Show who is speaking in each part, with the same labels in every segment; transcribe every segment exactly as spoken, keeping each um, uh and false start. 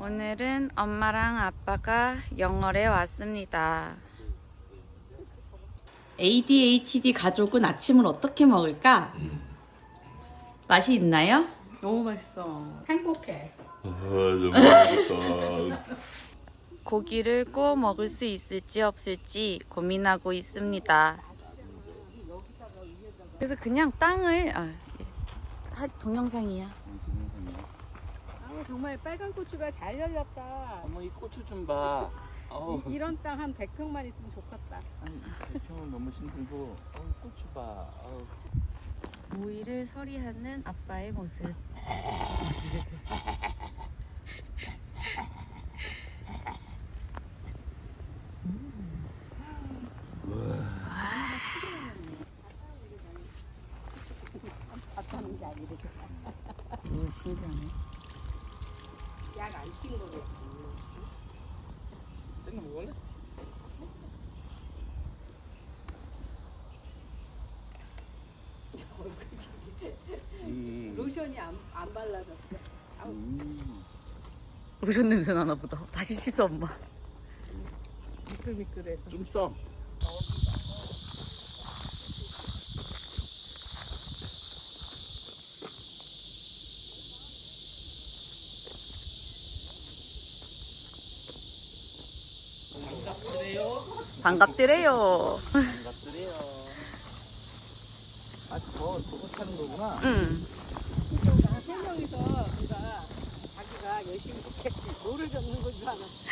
Speaker 1: 오늘은 엄마랑 아빠가 영월에 왔습니다. 에이디에이치디 가족은 아침을 어떻게 먹을까? 맛이 있나요?
Speaker 2: 너무 맛있어. 행복해.
Speaker 3: 아, 너무 맛있다.
Speaker 1: 고기를 구워 먹을 수 있을지 없을지 고민하고 있습니다. 그래서 그냥 땅을 아, 다 동영상이야.
Speaker 2: 아, 정말 빨간 고추가 잘 열렸다.
Speaker 4: 어머 이 고추 좀 봐. 어우,
Speaker 2: 이, 이런 땅 한 백 평만 있으면 좋겠다.
Speaker 4: 대충은 너무 힘들고. 어우, 고추 봐. 어우.
Speaker 1: 오이를 서리하는 아빠의 모습.
Speaker 2: 밥하는 게 아니래.
Speaker 1: 오, 신기하네.
Speaker 2: 약안 친 거겠지.
Speaker 4: 쟤는 먹을래? 음.
Speaker 2: 로션이 안, 안 발라졌어. 아우,
Speaker 4: 음.
Speaker 1: 로션 냄새 나나 보다. 다시 씻어 엄마.
Speaker 2: 미끌미끌해서.
Speaker 4: 좀 써.
Speaker 1: 반갑더래요.
Speaker 4: 반갑더래요. 아, 저 저거 타는 거구나.
Speaker 1: 응.
Speaker 2: 세 명이서 누가 자기가 열심히 이렇게 노를 젓는 건 줄 알았어.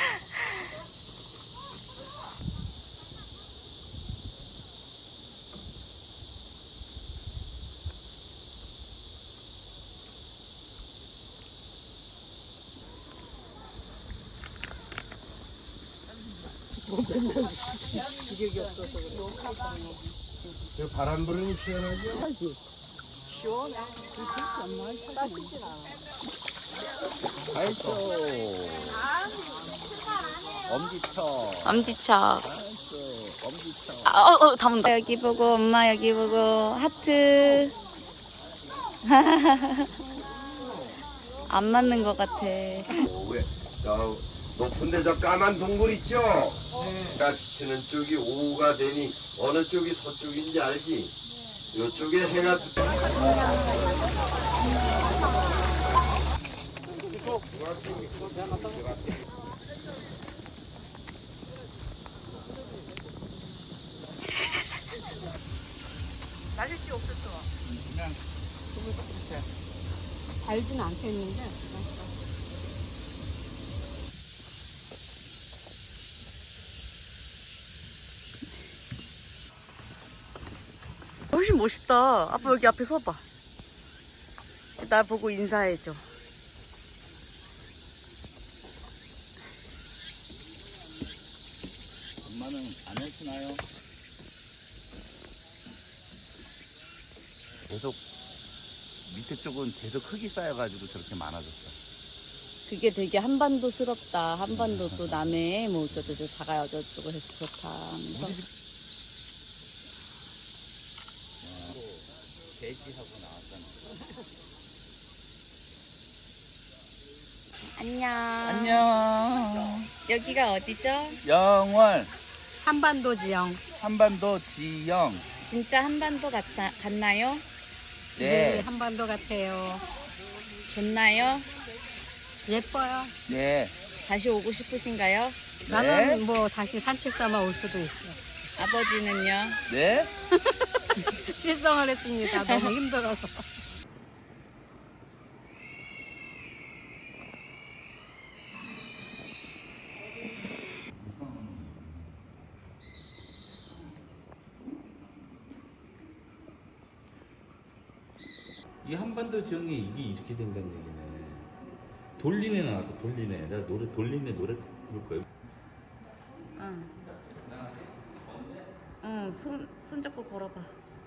Speaker 2: 기력이 없어서 그래.
Speaker 3: 저 바람 부르니 시원하죠?
Speaker 2: 시원해. 따뜻진 않아.
Speaker 4: 알죠. 엄지척.
Speaker 1: 엄지척.
Speaker 4: 알죠. 엄지척.
Speaker 1: 아, 어, 어, 다 온다. 여기 보고 엄마 여기 보고 하트. 안 맞는 것 같아.
Speaker 3: 오, 왜? 저 높은데 저 까만 동굴 있죠? 해가 비치는 쪽이 오후가 되니 어느 쪽이 서쪽인지 알지? 이쪽에 해가
Speaker 1: 맞을지 없었어.
Speaker 4: 그냥 숨을 썩히자.
Speaker 2: 달진 않겠는데.
Speaker 1: 훨씬 멋있다. 아빠 여기 앞에 서봐. 날 보고 인사해줘.
Speaker 4: 엄마는 안 해주나요? 계속 밑에 쪽은 계속 흙이 쌓여가지고 저렇게 많아졌어.
Speaker 1: 그게 되게 한반도스럽다. 한반도 또 남해 뭐 어쩌고저쩌고 자가 어쩌고 해서 그렇다. 하면서.
Speaker 4: 돼지하고 나왔잖아.
Speaker 1: 안녕.
Speaker 4: 안녕.
Speaker 1: 여기가 어디죠?
Speaker 4: 영월
Speaker 2: 한반도 지형.
Speaker 4: 한반도 지영.
Speaker 1: 진짜 한반도 같아, 같나요?
Speaker 2: 네,
Speaker 4: 네.
Speaker 2: 한반도 같아요.
Speaker 1: 좋나요?
Speaker 2: 예뻐요.
Speaker 4: 네.
Speaker 1: 다시 오고 싶으신가요?
Speaker 2: 나는 뭐 다시 산책 삼아 올 수도 있어.
Speaker 1: 아버지는요?
Speaker 4: 네.
Speaker 2: 실성을 했습니다. 너무 힘들어서.
Speaker 5: 이 한반도 지형이 이게 이렇게 된다는 얘기네. 돌리네 나왔다. 돌리네. 내가 노래 돌리네 노래 부를 거야.
Speaker 1: 응. 응, 손, 손 잡고 걸어봐.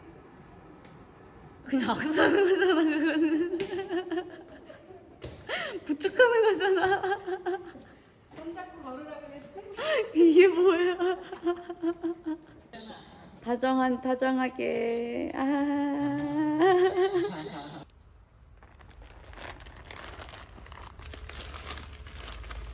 Speaker 1: 그냥 악수하는 거잖아, 그거는. 부축하는 거잖아.
Speaker 2: 손 잡고 걸으라 그랬지?
Speaker 1: 이게 뭐야? 다정한, 다정하게. 아.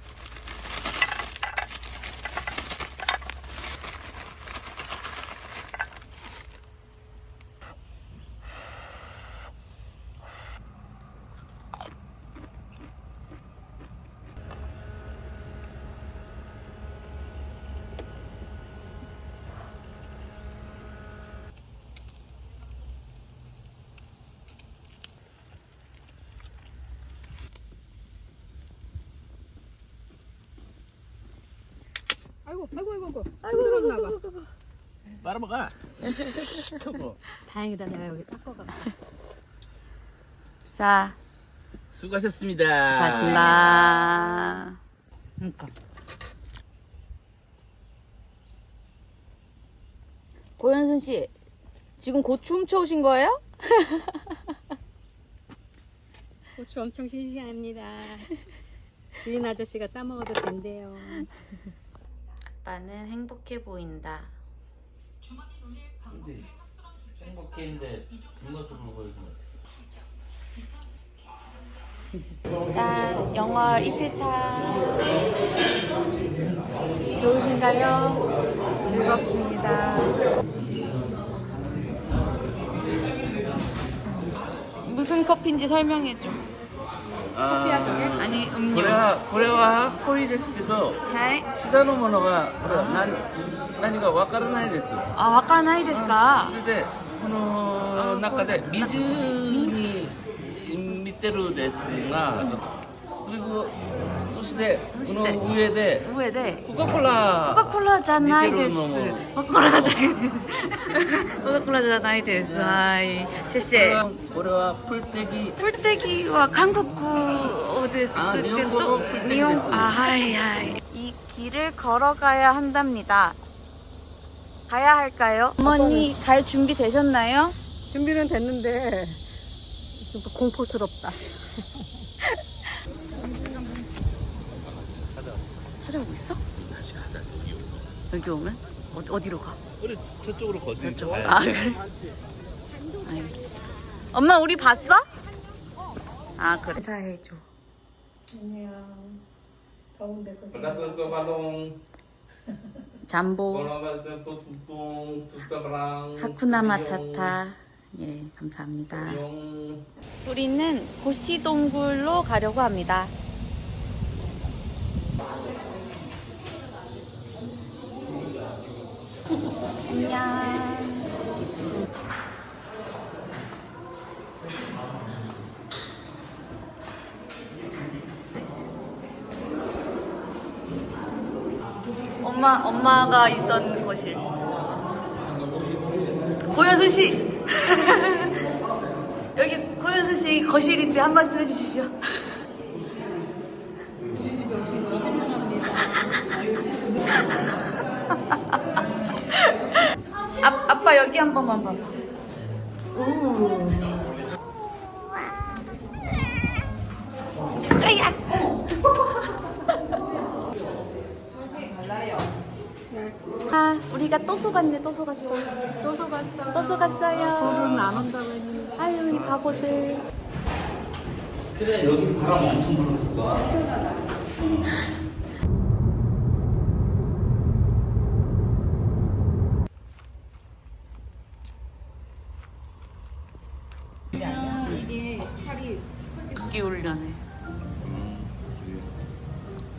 Speaker 2: 아이고 아이고 아이고 아이고 힘들었나 봐.
Speaker 5: 빨아먹어.
Speaker 2: 다행이다 내가 여기 닦아가.
Speaker 1: 자,
Speaker 5: 수고하셨습니다.
Speaker 1: 수고하셨습니다. 그러니까. 고현순 씨, 지금 고추 훔쳐오신 거예요?
Speaker 2: 고추 엄청 싱싱합니다. 주인 아저씨가 따먹어도 된대요.
Speaker 1: 아빠는 행복해 보인다.
Speaker 5: 근데 행복했는데 뒷모습을 보여주면
Speaker 1: 일단 영월 이틀차 좋으신가요? 즐겁습니다. 무슨 커피인지 설명해줘.
Speaker 2: 커피야 저게?
Speaker 1: 아니 음료.
Speaker 5: これはこれは濃いですけど
Speaker 1: 하이.
Speaker 5: 下のものがこれは何何かわからないです。
Speaker 1: 아, 와카라나이ですか?
Speaker 5: それでこの中で水に染みてるですが、그리고そしてこの上で
Speaker 1: 위에
Speaker 5: 코카콜라
Speaker 1: 코카콜라 じゃないです
Speaker 5: 似てるのも
Speaker 1: 코카콜라 じゃないですコカ・コーラじゃないです。はい。シェシェ。
Speaker 5: これは풀떼기
Speaker 1: 풀떼기は韓国ですけど、
Speaker 5: 아, 일본어 풀떼기
Speaker 1: 일본-
Speaker 5: 됐어요.
Speaker 1: 아, 하이, 하이. 이 길을 걸어가야 한답니다. 가야 할까요? 어머니 갈 준비 되셨나요?
Speaker 2: 준비는 됐는데 좀 공포스럽다.
Speaker 1: 찾아오고 있어?
Speaker 5: 다시 가자.
Speaker 1: 여기 오면? 어, 어디로 가?
Speaker 5: 우리 저쪽으로 거기 가야
Speaker 1: 아, 그래? 아이. 엄마 우리 봤어? 아, 그래. 인사해줘.
Speaker 5: Berdatang ke Palung,
Speaker 1: 잠보.
Speaker 5: kalau bahasa Tumpung, Susabrang,
Speaker 1: 하쿠나 마타타. 예, 감사합니다.
Speaker 5: Yung
Speaker 1: 우리는 고시동굴로 가려고 합니다. 안녕. 엄마, 엄마가 있던 거실. 고현수 씨! 여기 고현수 씨 거실인데 한 말씀 해주시죠. 아, 아빠 여기 한 번만 봐봐. 오. 아야. 아, 우리가 또 속았네, 또 속았어.
Speaker 2: 또 속았어.
Speaker 1: 또 속았어요.
Speaker 2: 불은 안 온다고 했는데.
Speaker 1: 아유, 이 바보들.
Speaker 5: 그래 여기 바람 엄청 불었었어.
Speaker 1: 극기 훈련해.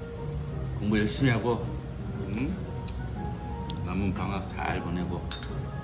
Speaker 5: 공부 열심히 하고, 응? 남은 방학 잘 보내고.